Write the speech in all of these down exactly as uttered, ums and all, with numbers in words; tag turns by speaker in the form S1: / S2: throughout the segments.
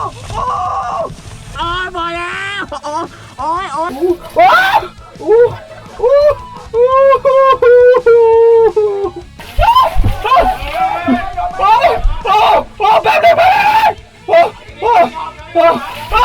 S1: โอ้ยพอแล้วโอ้ยโอ้ยโอ้ย
S2: โอ้โอ้โอ้โอ้โอ้โอ้แป๊บนึงแป๊บนึงโอ้โอ้โอ้โอ้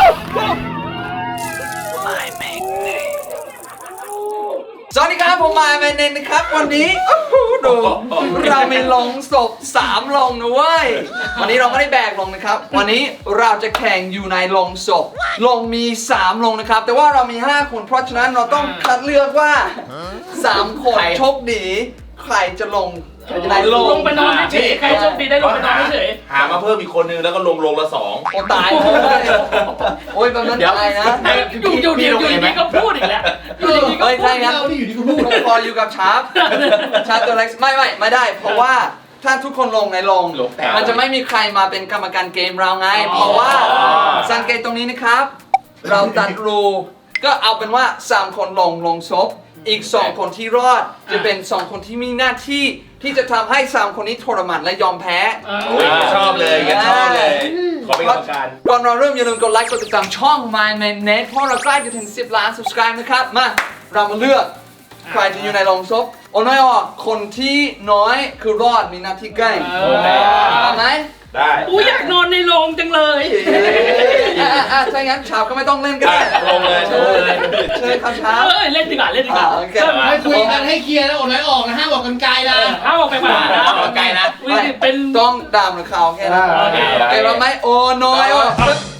S3: สวัสดีครับผมมาแมนเนนนะครับวันนี้ดูเรามีลงศพสามลงนะเว้ยวันนี้เราไม่ได้แบกลงนะครับวันนี้เราจะแข่งอยู่ในลงศพลงมีสามลงนะครับแต่ว่าเรามีห้าคนเพราะฉะนั้นเราต้องคัดเลือกว่าสามคนโชคดีใครจะลงในลง
S4: ลงไปนอนเฉยใครโชคดีได้ลงไปนอนเฉย
S5: หามาเพิ่มอีกคนนึงแล้วก็ลงลงละสอง
S3: โอ้ตายเลยโอ้ยแบบนั้นตายนะ
S4: อยู่อยู่เดียวอยู่ดีก็พูดอีกแล้วอยู่ดีก็
S3: เฮ้ย
S4: พู
S3: ใช่
S4: ด
S3: งั้นพออยู่กับชาร์ปชาร์ปตัวเล็กไม่ไม่ไม่ได้ เพราะว่าถ้าทุกคนลงในลงมันจะไม่มีใครมาเป็นกรรมการเกมเราไง เพราะว่าสังเกตตรงนี้นะครับ เราตัดรูก็เอาเป็นว่าสามคนลงลงศพอีกสองคนที่รอดจะเป็นสองคนที่มีหน้าที่ที่จะทำให้สามคนนี้ทรมานและยอมแพ้
S5: โอ้ยชอบเลยงั้นชอบเลย ขอเป็นกรรมการ
S3: ก่อนเราเริ่มอย่าลืมกดไลค์กดติดตามช่อง My Man Net เพราะเราใกล้จะถึงสิบล้าน subscribe นะครับมาเรามาเลือกใครจะอยู่ในโรงศพโอ้น้อยออกคนที่น้อยคือรอดมีหน้าที่ใกล้เอาไหม
S5: ได้
S4: กูอยากนอนในโรงจังเลย
S3: อ่ะอ่ะถ้างั้นชาวก็ไม่ต้องเล่นก็ได้
S5: ลงเลยลงเลย
S3: เชิญครับชาว
S4: เอ้ยเล่นดีกว่าเล่นดีกว่า
S3: โอเค
S2: ให้คุยกันให้เคลียร์แล้วอดน้อยออกนะห้ามบอกกันไกลนะ
S4: ห้ามออกไปป่านะ
S5: ออกไกลนะ
S4: เป็น
S3: ต้องดามหรือขาวแค่นั้น
S4: โอเค
S3: โอเคเราไหมโอ้น้อยออก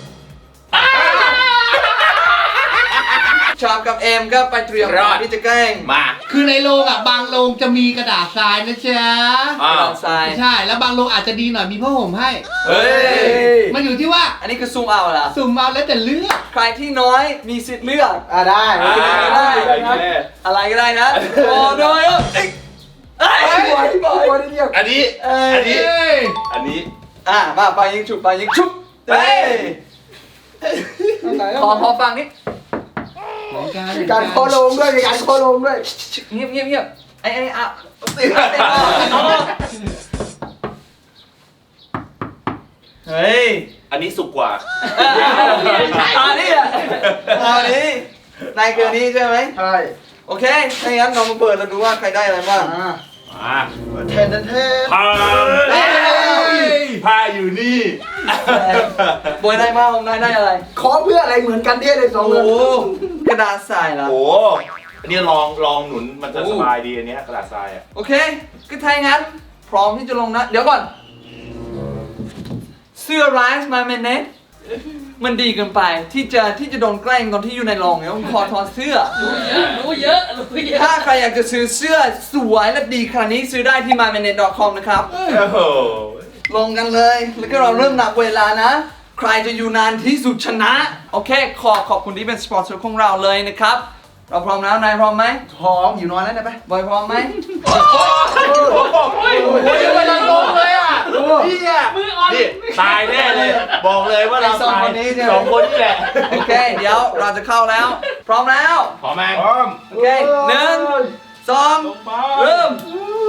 S3: ชาวกับเอ็มก็ไปเตรียมที่จะแกล้ง
S5: มา
S2: คือในโรงอ่ะบางโรงจะมีกระดาษทรายนะจ๊ะ
S5: อ้าว
S3: ทราย
S2: ใช่แล้วบางโรงอาจจะดีหน่อยมีผ้าห่มให้
S5: เฮ้ย
S2: มันอยู่ที่ว่า
S3: อันนี้คือซูมเอาเหรอ
S2: สุ่มเอาแล้วแต่เลือก
S3: ใครที่น้อยมีสิทธิ์เลือก
S2: อ่าได้
S5: อ่า
S3: ได้
S5: ได้ได้
S3: อะไรก็ได้นะ โอ้น้อยอ่ะเอ้ยเอ้ยบอยบอยบอยเรียก
S5: อันนี้ อันนี้
S2: เอ้ย
S5: อันนี้
S3: อ่ะมาไปยิงฉุบไปยิงฉุบเฮ้ยขอขอฟังนิด
S2: มีการโคลงด้วยมีการโคลงด้วย
S3: เงียบเงียบเงียบไอ้ไอ้อ่ะตื่นเต้นเฮ้ย
S5: อันนี้สุกกว่า
S3: อันนี้อ่ะอันนี้นายคืออันนี้ใช่ไหม
S2: ใช่
S3: โอเคถ้าอย่างนั้นเรามาเปิดแล้วดูว่าใครได้อะไรบ้าง
S2: อ่า
S5: มา
S2: เทนเทน
S5: พาพาอยู่นี่
S3: บอยได้มากผมได้ได้อะไร
S2: ขอเพื่ออะไรเหมือนกันเนี่ยเลยสอง
S3: โอ้
S2: เงิน
S3: โหกระดาษทรายเหรอ
S5: โอ้อันนี้ลองลองหนุนมันจะสบายดีอันเนี้ยกระดาษทรายอ่ะ
S3: โอเค ก็ถ้าอย่างนั้น พร้อมที่จะลงนะ เดี๋ยวก่อน เสื้อไรส์มาเมนเนตมันดีเกินไปที่จะที่จะโดนแกล้งตอนที่อยู่ในโรงเนี่ยผมขอถอดเสื้อ
S4: รู้เยอะรู้เยอะ
S3: ถ้าใครอยากจะซื้อเสื้อสวยและดีขนาดนี้ซื้อได้ที่ my manet dot com นะครับ
S5: โอ้โห
S3: ลงกันเลย แล้วก็เราเริ่มนับเวลานะ ใครจะอยู่นานที่สุดชนะ โอเค ขอขอบคุณที่เป็นสปอนเซอร์ของเราเลยนะครับ เราพร้อมแล้ว นายพร้อมไหม
S2: หอมอยู่นอนแล้วได้ไหม
S3: บอยพร้อมไหม
S5: โอ้ยกำลังลงเลยอ่ะนี่อ่ะ
S4: มืออ่อน
S5: นี่ตายแน่เลย บอกเลยว่าเรา
S3: ไอ้สอง
S5: ตาย
S3: คนนี้ใช่ไหม
S5: สองคนนี่แหละ
S3: โอเค เดี๋ยวเราจะเข้าแล้ว พร้อมแล้ว
S5: พร้อมไหมพร้อม
S3: โอเคหนึ่งสองเริ่ม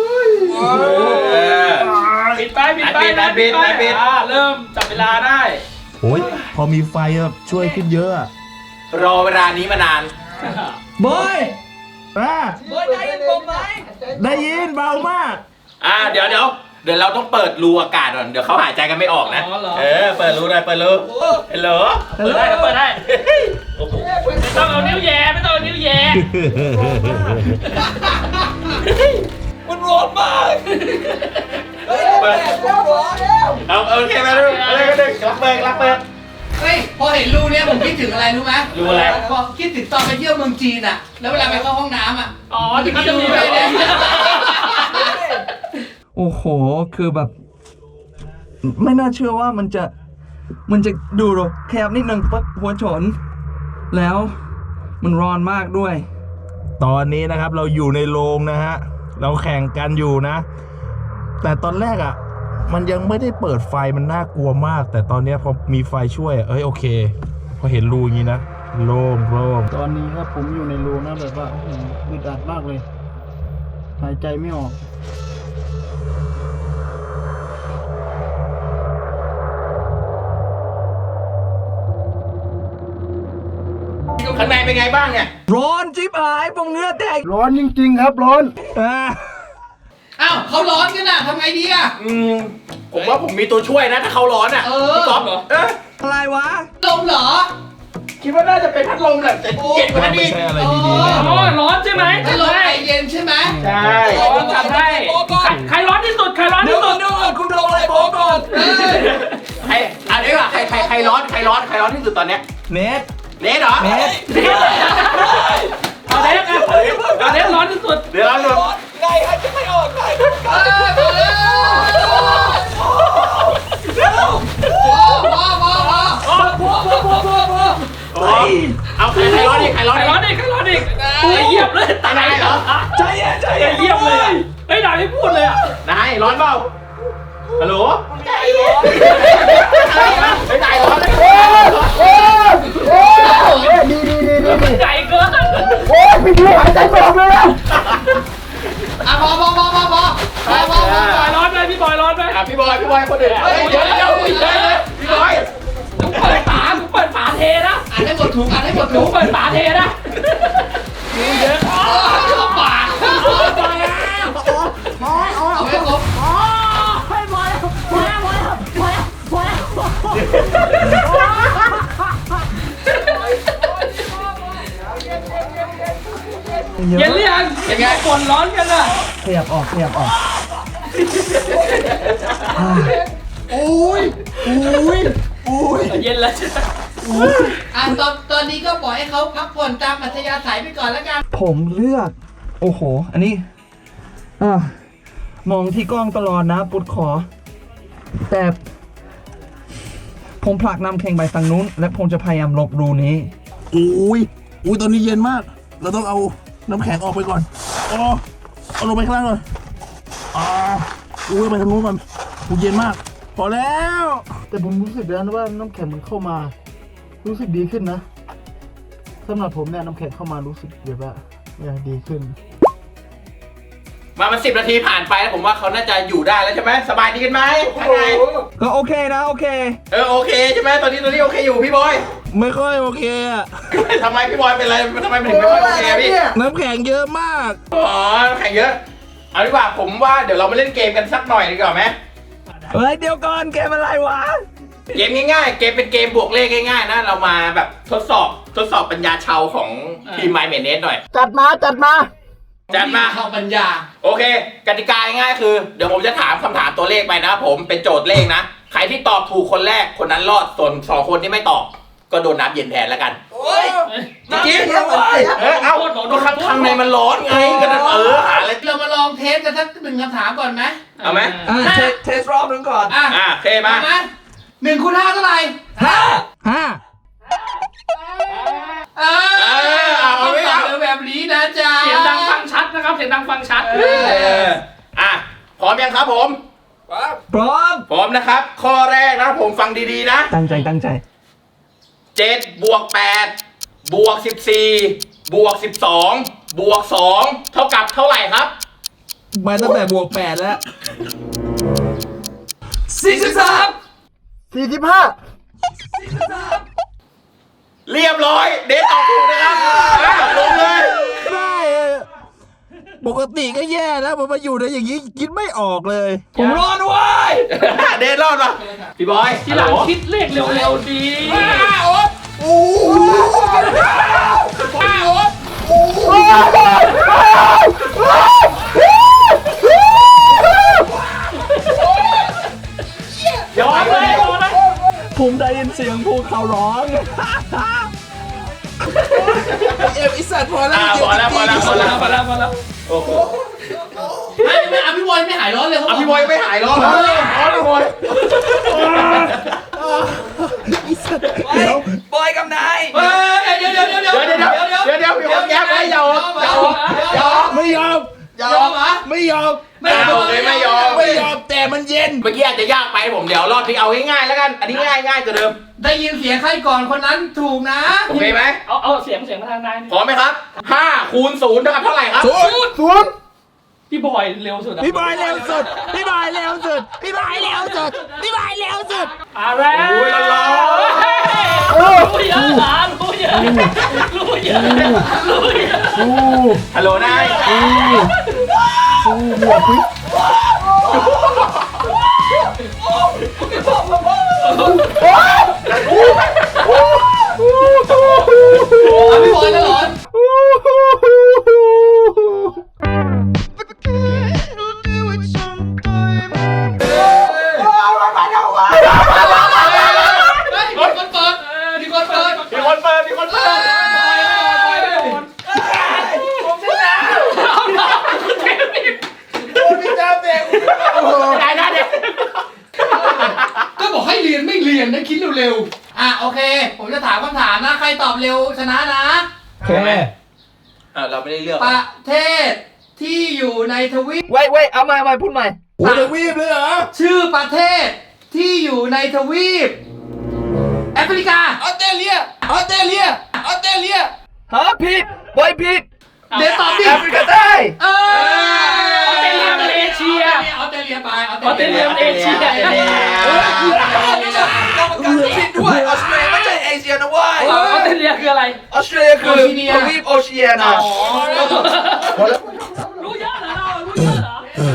S4: ปิดไปปิดไปนะปิดไปอ่าเริ่มจับเวลาได้
S1: โอ้ยพอมีไฟแบบช่วยขึ้นเยอะอะ
S5: รอเวลานี้มานาน
S3: บอย
S1: อ่ะ
S3: บอยได้ยินผมไหม
S1: ได้ยินเบามาก
S5: อ่าเดี๋ยวเดี๋ยวเดี๋ยวเราต้องเปิดรูอากาศก่อนเดี๋ยวเขาหายใจกันไม่ออกนะ
S4: อ๋อเหรอ
S5: เออเปิดรูหน่อยเปิดรูเฮลโหล
S4: เปิดได้เปิดได้
S5: โอ้โห
S4: ไม่ต้องเอานิ้วแย่ไม่ต้องเอานิ้วแย่
S3: มันร้อนมากเฮ้ยแดดแล้วร้อนแล้ว
S5: เอาโอเคมาดูอะไรกันหนึ่งรักเปิดรักเปิด
S2: เฮ้ยพอเห็นรูเนี้ยผมคิดถึงอะไรรู้ไหม
S5: รูอะไร
S2: พอคิดถึงตอนไปเที่ยวเมืองจีนอ่ะ แล้วเวลาไปเข้าห้องน้ำอ่ะ
S4: อ๋อที่เขาจะมีแบบนี้
S3: โอ้โห คือแบบ ไม่น่าเชื่อว่ามันจะ มันจะดูหรอแคบนิดนึงปั๊บหัวชน แล้วมันร้อนมากด้วย
S1: ตอนนี้นะครับเราอยู่ในโรงนะฮะ เราแข่งกันอยู่นะ แต่ตอนแรกอ่ะ มันยังไม่ได้เปิดไฟมันน่ากลัวมาก แต่ตอนเนี้ยพอมีไฟช่วยอะเอ้ยโอเค พอเห็นรูอย่างนี้นะโล่งโล่ง
S6: ตอนนี้ครับผมอยู่ในรูนะแบบว่าอื้อหืออึดอัดมากเลย หายใจไม่ออก
S1: โ
S5: ข้างในเป็นไงบ้างเนี่ย
S1: ร้อนจิ๊บหายผมเหงื่อแตก
S6: ร้อนจริงๆครับร้อน
S1: อ่า
S4: อ้าวเขาร้อนกันน่ะทำไงดีอ่ะ
S5: อืมผมว่าผมมีตัวช่วยนะถ้าเขาร้อนอ่ะ
S4: เออ
S5: พี่ก๊อฟเหรอเออ
S1: อะไรวะ
S4: ลมเหรอ
S5: คิดว่าน่าจะเป็นพัดลมแหละแต่เย็นกว่านั้น
S1: ไม่
S5: อีก
S1: ใช่อะไรดีๆแน่น
S4: อ๋
S1: อ
S4: อน ร้อนใช่ไหมถ้าร้อนไอเย็นใช่ไหม
S5: ใช่
S4: ร้อนทำได้ใครร้อนที่สุดใครร้อนที่สุด
S3: คุณลงอะไรผมก่อน
S5: ใครอันนี้ว่ะใครใครใครร้อนใครร้อนใครร้อนที่สุดตอนเนี้ย
S1: เน็ต
S5: เนทเหรอ
S1: เน็ต
S4: เอาเด็กอ่ะเอาเด็กร้อนที่สุด
S5: เดี๋ยวร้อนหมด
S3: ไงฮะจะไม่ออกไง
S4: เออมาแล้วพอพอพอพอพอพอพอพอพอ
S5: โอ้ยเอาใครใครร้อนอีกใครร้อน
S4: ใคร
S5: อีก
S4: ร้อนอีกใครร้อนอีกไอ้เยียบเลย
S5: ตายเหรอ
S4: ใจเย็นใจเย็นเยียบเลยไอ้ยนายไม่พูดเลยอ่ะ
S5: นายร้อนเปล่าฮัลโหลใจร้อนไม่ใจร้อนเลย
S6: โอ้โอ้ดีดีดีดีดี
S4: ใจเกิน
S6: โอ้ยพี่พี่หายใจไม่ออกเลยอะ
S4: อ่ะพอพอพอพอพอพอพอพอบอยร้อนไหมพี่บอยร้อนไหม
S5: อ่ะพี่บอยพี่บอยคนอื่นเฮ้ยเดี๋ยวเดี๋ยวเดี๋ยวพี่บอย
S4: เปิดฝาเปิดฝาเทนะอ่านให้หมดถุงอ่านให้หมดถุงเปิดฝาเทนะเยอะเข้าปากเอาให้ครบเย็นหรือยังเย็นไงฝนร้อนกันอ่ะ
S6: ขยับออกขยับออก
S4: เย็นแล้ว
S7: อ่ะตอนตอนนี้ก็ปล่อยให้เขาพักผ่อนตามอัธยาศัยไปก่อนแล้วกัน
S6: ผมเลือกโอ้โหอันนี้อ่ามองที่กล้องตลอดนะปุดขอ แต่ผมผลักน้ำแข็งไปทางนู้น และผมจะพยายามหลบรูนี้
S1: อุ้ยอุ้ยตอนนี้เย็นมาก เราต้องเอาน้ำแข็งออกไปก่อนอ๋อเอาลงไปข้างล่างก่อนอ่าอุ้ยไปทางนู้นก่อนอุ้ยเย็นมาก พอแล้ว
S6: แต่ผมรู้สึกแล้วนะว่าน้ำแข็งมันเข้ามา รู้สึกดีขึ้นนะสำหรับผมเนี่ยน้ำแข็งเข้ามารู้สึกแบบว่าเออดีขึ้น
S5: มามันสิบนาทีผ่านไปแล้วผมว่าเขาน่าจะอยู่ได้แล้วใช่ไหมสบายดีกันไหมข้างใน
S6: ก็โอเคนะโอเค
S5: เออโอเคใช่ไหมตอนนี้ตอนนี้โอเคอยู่พี่บอย
S1: ไม่ค่อยโอเคอะ
S5: ทำไมพี่บอยเป็นอะไรทำไมถึงไม่ค่อยโอเคพี่
S1: น้ำแข็งเยอะมาก
S5: อ๋อแข่งเยอะเอาดีกว่าผมว่าเดี๋ยวเรามาเล่นเกมกันสักหน่อยดีกว่าไหม
S6: เฮ้ยเดี๋ยวก่อนเกมอะไรวะ
S5: เกมง่ายๆเกมเป็นเกมบวกเลขง่ายๆนะเรามาแบบทดสอบทดสอบปัญญาชาวของทีมไมเมเนสหน่อย
S6: จัดมาจัดมา
S5: จัดมา
S7: เข้าปัญญา
S5: โอเค กติกาง่ายๆคือ เดี๋ยวผมจะถามคำถามตัวเลขไปนะผมเป็นโจทย์เลขนะ ใครที่ตอบถูกคนแรกคนนั้นรอดส่วนสองคนที่ไม่ตอบ ก็โดนน้ำเย็นแทนแล้วกัน
S3: โอ้ย
S5: จริงๆเออเอาก็ข้างข้างในมันร้อนไงก็นั่นเออหาอะไร
S7: เรามาลองเทสกันสักหนึ่งคำถามก่อนไหม
S5: เอาไหม
S6: อ่ะ
S3: เทสเทสรอบนึงก่อน
S7: อ่ะ
S5: อ่ะโอเคมา
S7: มาหนึ่งคูณห้าเท่าไหร่
S3: ห้า
S6: ห้า
S7: เออ
S5: เออเอา
S7: ต้อง
S5: ไม่
S7: ตอ
S5: เอา
S7: บแบบนี้นะจ๊ะ
S4: เสียงดังฟังชัดนะครับเสียงดังฟังชัด
S5: เอออ่ะพร้อมยังครับผม
S6: พร้อม
S5: พร้อมนะครับ ข้อแรกนะผมฟังดีๆนะ
S6: ตั้งใจตั้งใจ
S5: เจ็ดบวกแปดบวกสิบสี่บวกสิบสองบวกสองเท่ากับเท่าไหร่ครับ
S1: มาตั้งแต่บวกแปดแล้ว
S3: สี่สิบสาม
S6: สี่สิบห้า
S5: เรียบร้อย เดทตอบถูกนะครับอ่ะลงเลย
S1: ได้อะปกติก็แย่แล้วพอมาอยู่ในอย่างนี้คิดไม่ออกเลย
S5: ผมรอดด้วย เดทรอดป่ะพี่บอย
S4: ทีหลังคิดเลขเร็วๆดี
S5: ยอมเลย
S6: ผมได้ยินเสียงภูเขาร้อง
S3: เอฟอิสัตพอแล้ว
S5: อ่ะพอแล้วพอแล้วพอแล้ว
S4: มาแล้วมาแล้ว
S5: โอ้โห
S7: ไม่ไม่อ่ะพี่บอยไม่หายร้อนเลยเขาบ
S5: อ่ะ
S7: อก
S5: พี่บอยไม่หายร้อนเลยร้อนพี่บอย
S3: เดี๋ยวบอยกับนาย
S7: เฮ้ยเดี๋ยวเดี๋ยวเดี๋ยวเดี๋ยว
S5: เดี๋ยวเดี๋ยวเดี๋ยวเดี๋ยวเดี๋ยวพี่บอยแย้มไม่ยอม
S7: ยอม
S5: ยอม
S1: ไม่ยอม
S7: ยอมเหรอ
S1: ไม่ยอม
S5: ไม่เอาเลยไม่ยอม
S1: ไม่ยอมแต่มันเย็น
S5: เมื่อกี้อาจจะยากไปผมเดี๋ยวรอบนี้เอาง่ายๆแล้วกัน อันนี้ง่ายง่ายกว่าเดิม
S7: ได้ยินเสียงใครก่อนคนนั้นถูกนะ
S5: โอเคไหม
S4: เอาเอาเสียงเสียงมาทางนาย
S5: พร้อมไหมครับห้าคูณศูนย์เท่ากับเท่าไหร่ครับ
S1: ศูนย์
S6: ศูนย์
S4: พี่บอยเร็วสุดอะ
S1: พี่บอยเร็วสุด พี่บอยเร็วสุด พี่บอยเร็วสุด พี่บอยเร็วสุด
S4: อ่ะแล้ว
S5: โอ้ยร้อน
S4: รู้เยอะหลานรู้เยอะรู้
S5: ยฮัลโหลนาย
S6: อู้หมวกปิ๊บ
S7: เอาพี่บอยแล้วเหรอ มีคนเปิด มีคนเปิด
S5: มีคนเปิดมีคนเปิดได้ได้เด็ก
S7: ก็บอกให้เรียนไม่เรียนนะคิดเร็วๆ อ่ะโอเค ผมจะถามคำถามนะ ใครตอบเร็วชนะนะ
S1: โอเค
S5: อ่าเราไม่ได้เลือก
S7: ประเทศที่อยู่ในทวีป
S3: เว้ยเว้ยเอาใหม่เอาใหม่พูดใหม่
S1: โอ้ยวีบเลยเหรอ
S7: ชื่อประเทศที่อยู่ในทวีปแอฟริกา
S3: ออสเตรเลีย ออสเตรเลีย ออสเตรเลียฮะผิดบอยผิด
S7: เดี๋ยวตอบดิ
S3: แอฟริกาใต้
S7: เออ
S4: ออสเตรเลียมันเอเชีย
S7: ออสเตรเลียไปอ
S4: ออสเตรเลียมันเอเชีย
S3: ผิดด้วยออสเตรเลียไม่ใช่เอเชียนะเว้ย
S4: ออสเตรเลียคืออะไร
S3: ออสเตรเลียคือทวีปโอเชียนะ
S4: รู้เยอะเหรอเรารู้เยอะเหรอ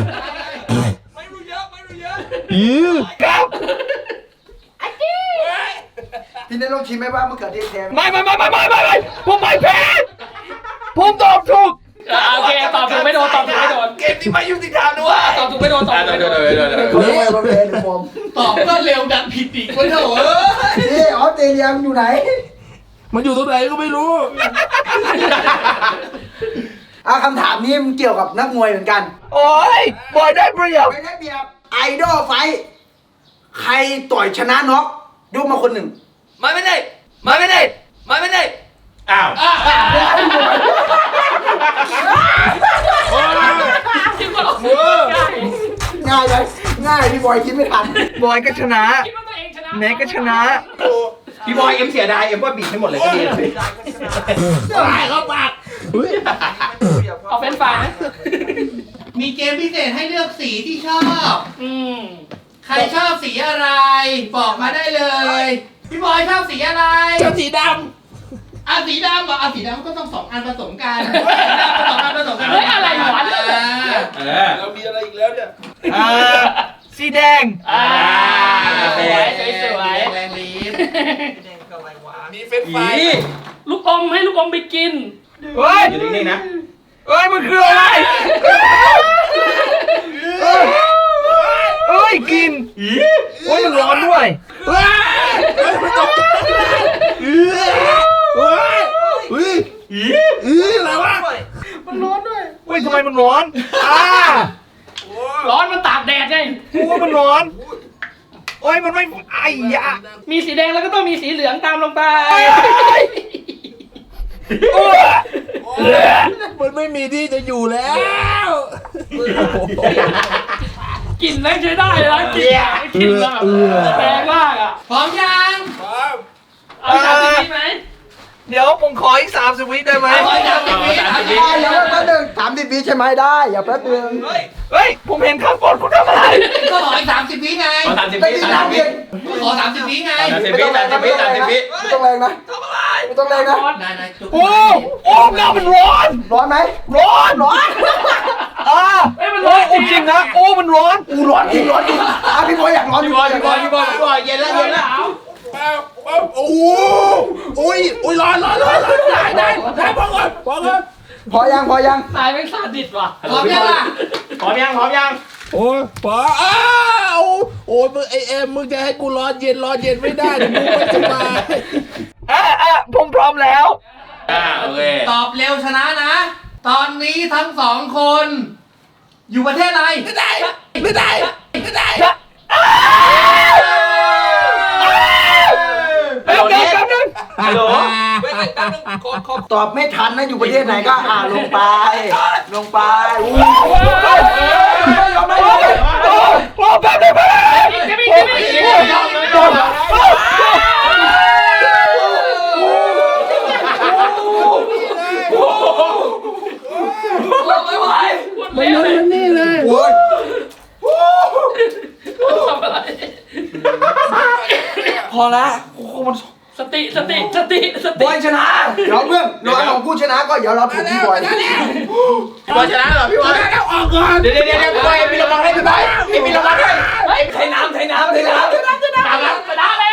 S1: อี๋
S6: พี่ได้ลองชิมไหมว่ามะเขือเทศแท้ไหม
S3: ไม่ไม่ไม่ไม่ไม่ไม่ไม่ผมไม่แพ้ผมตอบถูก
S4: อ่ะโอเคตอบถูกไม่โดนตอบถูกไม่โดน
S3: เกมนี้ไม่ยุติธรรมด้วย
S4: ตอบถูกไม่โดนตอบถูกไม่โดน
S6: เขาเรียกว่าประเภทผม
S7: ตอบก็เร็วดันผิดอีกคนเถอะเอ้ย
S6: นี่ออสเตรเลียมันอยู่ไหน
S1: มันอยู่ตรงไหนก็ไม่รู้
S6: อ่ะคำถามนี้มันเกี่ยวกับนักมวยเหมือนกัน
S3: โอ้ยบอยได้เปรียบ
S6: ไม่ได้เปรียบไอดอลไฟท์ใครต่อยชนะน็อกยกมาคนหนึ่ง
S3: มาไม่ได้มาไม่ได้มาไม่ได้
S5: อ้าว
S4: คิดว่าง่าย
S6: ง่ายเลยง่ายพี่บอยคิดไม่ทัน
S3: บอยก็ชนะ
S4: คิดว่าตัวเองชนะ
S3: แน็กก็ชนะ
S5: พี่บอยเอ็มเสียดายเอ็มว่าบีบให้หมดเลยก็ดี
S4: เอาเป็นฝ่ายนะ
S7: มีเกมพิเศษให้เลือกสีที่ชอบ
S4: อืม
S7: ใครชอบสีอะไร บอกมาได้เลย พี่บอยชอบสีอะไร
S3: ชอบสีด
S7: อ่ะสีดำเหรออ่ะสีดำก็ต้องสองอันผสมกันสองอันผสมกัน
S4: เฮ้ยอะไรวะ
S7: อ่า
S5: เออ
S1: เรามีอะไรอีกแล้วเนี่ย
S3: ำอ่าสีแดง
S4: อ่าสวยสวยสวย
S7: แรงลีฟ
S1: มีเฟรนช์ฟราย
S4: ลูกอมให้ลูกอมไปกิน
S3: เฮ้ย
S5: อยู่นิ่งๆนะ
S3: เฮ้ยมันคืออะไรเอ้ยกินโอ้ยมันร้อนด้วย
S1: เฮ้ยเฮ้ยมันตกใจเฮ้ยเฮ้ยเฮ้ยเฮ้ยอะไรวะ
S3: มันร้อนด้วยเฮ้ยทำไมมันร้อนอ่า
S4: ร้อนมันตากแดดไง
S3: โอ้มันร้อนโอ้ยมันไม่ไอ้ยะ
S4: มีสีแดงแล้วก็ต้องมีสีเหลืองตามลงไป
S1: มันไม่มีที่จะอยู่แล้ว
S4: กลิ่นแรงใช้ได้เลยนะกลิ่นกลิ่นแบบแรงมากอ่ะ
S7: พร้อมยัง
S4: เอาสามสิบวิไหม
S3: เดี๋ยวผมขออีกสามสิบวิได้ไหม
S7: ร้อยสามสิบวิ
S5: สามสิบวิ
S6: ได้อย่าแป๊บนึงสามสิบวิใช่ไหมได้อย่าแป๊บนึง
S3: เฮ้ยเฮ้ยผมเห็นข้างบนคุณทำอะไร
S7: ก็ขออีกสามสิบวิไง
S5: ขอสามสิบ
S6: ไม่
S5: วิ
S6: ได้
S5: สาม
S6: ทำ
S5: สิบ
S6: เอ
S5: วิ
S6: ง
S7: ก็ขอสามสิบวิไง
S5: สามสิบวิสามสิบวิสามสิบวิ
S6: ไม่ต้องแรงนะ
S3: ทำอะไร
S6: ไม่ต้องแรงนะ
S7: นายนายจุก
S3: โอ้โอ้เงามันร้อน
S6: ร้อนไหม
S3: ร้อนร้อนอ่า
S4: เอ้ยมัน
S3: โอ้
S4: ร้อน
S3: โอ้จริงนะโอ้มันร้อน
S6: อูร้อนจริงร้อนจริงอ่ะพี่บอยอยากร้อน
S5: พี่บอยพี่บอยพี่บอยพี่บอยเย็นแล้วเย็นแล้ว
S1: โอ้โหโอ้ยโอ้ยร้อนร้อนร้อนร้อนได้ได้ได้พอก่อนพอก่อน
S6: พอยังพอยัง
S4: ตายเป็นซาดิสว่ะ
S7: พร้อมยังล่ะ
S5: พร้อมยังพร้อมยัง
S1: โอ้ยพออ้าวโอ้ยมึงไอเอ็มมึงจะให้กูร้อนเย็นร้อนเย็นไม่ได้เดี๋ยวมึงไม่สบาย
S3: อ่ะอ่ะผมพร้อมแล้ว
S5: อ่าโอเค
S7: ตอบเร็วชนะนะ ตอนนี้ทั้งสองคน อยู่ประเทศอะไร
S1: ไม่ได้ไม่ได้ไม่ได้
S3: แป๊บนึงแป๊บนึง
S5: ฮัลโหล
S6: ตอบไม่ทันนะอยู่ประเทศไหนก็อ่าลงไป ลงไปอู้
S3: ยอมไหมยอมไหมโอ้โอ้แป๊บนึงแป๊บนึง
S4: จะมีจะมีจะมี
S3: ไม่ไหว
S4: มันมันนี่เลย
S6: โอ้ย
S4: ทำอะไร
S3: พอละโอ้โหมัน
S4: สติสติสติส
S7: บ
S4: ติ
S7: อยชนะเดี๋ยวเพื่อนรอของกูชนะก็เดี๋ยวเราถูกพี่บอย
S5: พี่บอยชนะเหรอพี่บอยออกก่อนเดี๋ยวเดี๋ยวเดี๋ยวพี่บอยมีรางวัลให้พี่บอยมีรางวัลให้
S3: ไทยน้ำไทยน้ำไทยน้ำ
S4: ชนะชนะชนะแล้ว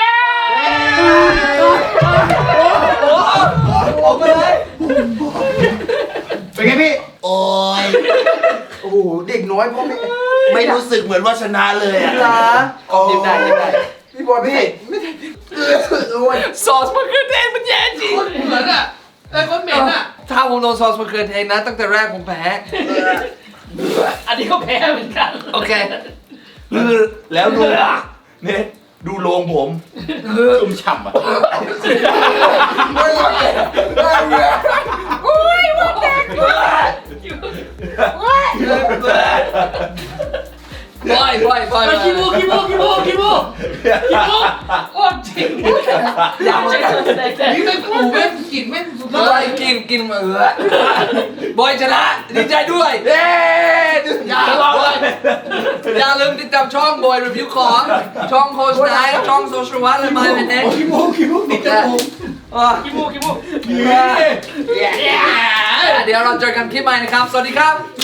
S3: ออกไปเลย
S7: เป็นไงพี่
S2: โอ้ย
S7: โอ้โหเด็กน้อยพ่อไม่
S2: ไม่รู้สึกเหมือนว่าชนะเลยอ่ะ
S3: นะยิ้มได้ยิ้มได้
S7: พี่บอยไม่ใช่ไม่ใช่เออโอ้ย
S3: ซอสมะเขือเทศมันแย่จริง
S7: เหมือนอ่ะไอ้คนเหม็นอ่ะ
S3: ถ้าผมโดนซอสมะเขือเทศนะตั้งแต่แรกผมแพ้
S4: อันนี้ก็แพ้เหมือนกัน
S3: โอเค
S2: แล้วดูเนี่ยดูโรงผม
S5: ชุ่มฉ่ำอ่ะ
S3: บอยบอยบอย
S4: ไปขี้มูกขี้มูกขี้มูกขี้มูกขี้มูกโอ้จริงอยากใช้แสดง
S7: นี่ไม่ปูไม่กลิ่นไม่สุด
S3: บอยกินกินเออบอยชนะดีใจด้วยเย้อย่าลองเลยอย่าลืมติดตามช่องบอยรีวิวของช่องโค้ชไนท์ช่องโซเชียลวัตและมาเป็นเน็ต
S7: ขี้มูกขี้มูกติดจมูก
S4: ขี้มูกขี้มูก
S3: เดี๋ยวเราเจอกันคลิปใหม่นะครับ สวัสดีครับ